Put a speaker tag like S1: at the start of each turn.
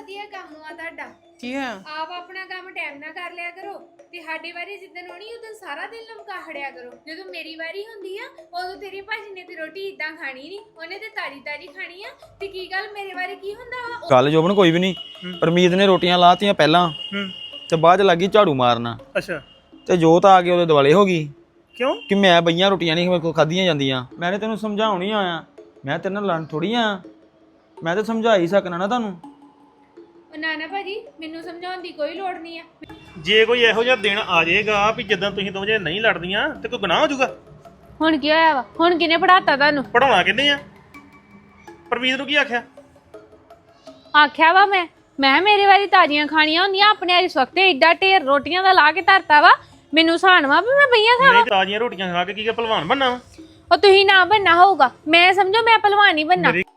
S1: ਵਧੀਆ ਕੰਮ ਆ ਤੁਹਾਡਾ।
S2: ਕੀ ਹੈ?
S1: ਆਪ ਆਪਣਾ ਕੰਮ ਟਾਈਮ ਨਾਲ ਕਰ ਲਿਆ ਕਰੋ ਤੇ ਸਾਡੀ ਵਾਰੀ ਜਿੱਦਣ ਹੋਣੀ ਉਦੋਂ ਸਾਰਾ ਦਿਨ ਲਮਕਾ ਖੜਿਆ ਕਰੋ। ਜਦੋਂ ਮੇਰੀ ਵਾਰੀ ਹੁੰਦੀ ਆ ਉਦੋਂ ਤੇਰੀ ਭਾਜੀ ਨੇ ਤੇ ਰੋਟੀ ਇਦਾਂ ਖਾਣੀ ਨਹੀਂ, ਉਹਨੇ ਤੇ ਤਾਜੀ ਤਾਜੀ ਖਾਣੀ ਆ। ਤੇ ਕੀ ਗੱਲ ਮੇਰੇ ਵਾਰੀ ਕੀ ਹੁੰਦਾ ਵਾ?
S3: ਗੱਲ ਜੋਬਨ ਕੋਈ ਵੀ ਨਹੀਂ। ਪਰਮੀਤ ਨੇ ਰੋਟੀਆਂ ਲਾਤੀਆਂ ਪਹਿਲਾਂ ਤੇ ਬਾਅਦ ਚ ਲੱਗੀ ਝਾੜੂ ਮਾਰਨਾ।
S4: ਅੱਛਾ
S3: ਤੇ ਜੋਤ ਆ ਕੇ ਉਹਦੇ ਦੁਆਲੇ ਹੋ ਗਈ
S4: ਕਿਉਂ?
S3: ਕਿ ਮੈਂ ਬਈਆਂ ਰੋਟੀਆਂ ਨਹੀਂ ਮੇਰੇ ਕੋਲ ਖਾਧੀਆਂ ਜਾਂਦੀਆਂ। ਮੈਂ ਨੇ ਤੈਨੂੰ ਸਮਝਾਉਣ ਹੀ ਆਇਆ, ਮੈਂ ਤੇਰੇ ਨਾਲ ਲੜਨ ਥੋੜੀ ਆ। ਮੈਂ ਤਾਂ ਸਮਝਾ ਹੀ ਸਕਣਾ ਨਾ ਤੁਹਾਨੂੰ।
S1: ਨਾ ਭਾਜੀ ਮੈਨੂੰ ਸਮਝਾਉਣ ਦੀ ਕੋਈ ਲੋੜ ਨਹੀਂ ਆ।
S4: ਜੇ ਕੋਈ ਇਹੋ ਜਿਹਾ ਦਿਨ ਆ ਜਾਏਗਾ ਵੀ ਜਦੋਂ ਤੁਸੀਂ ਦੋਵੇਂ ਨਹੀਂ ਲੜਦੀਆਂ ਤੇ ਕੋਈ ਗੁਨਾਹ ਹੋ ਜਾਊਗਾ।
S1: ਹੁਣ ਕੀ ਹੋਇਆ ਵਾ? ਹੁਣ ਕਿਹਨੇ ਪੜਾਤਾ ਤੁਹਾਨੂੰ?
S4: ਪੜਾਉਣਾ ਕਿੰਨੇ ਆ? ਪਰਮੀਤ ਨੂੰ ਕੀ ਆਖਿਆ?
S1: ਆਖਿਆ ਵਾ ਮੈਂ ਮੇਰੀ ਵਾਰੀ ਤਾਜ਼ੀਆਂ ਖਾਣੀਆਂ ਹੁੰਦੀਆਂ, ਆਪਣੇ ਇਸ ਵਕਤ ਏਡਾ ਢੇਰ ਰੋਟੀਆਂ ਦਾ ਲਾ ਕੇ ਧਰਤਾ ਵਾ। ਮੈਨੂੰ ਸਾਨਵਾ ਵੀ ਮੈਂ ਬਈਆਂ ਖਾਵਾਂ।
S4: ਨਹੀਂ ਤਾਜ਼ੀਆਂ ਰੋਟੀਆਂ ਖਾ ਕੇ ਕੀ ਭਲਵਾਨ ਬਣਨਾ ਵਾ?
S1: ਉਹ ਤੁਸੀਂ ਨਾ ਬਣਨਾ ਹੋਊਗਾ। ਮੈਂ ਸਮਝੋ ਮੈਂ ਪਹਿਲਵਾਨ ਹੀ ਬਣਨਾ।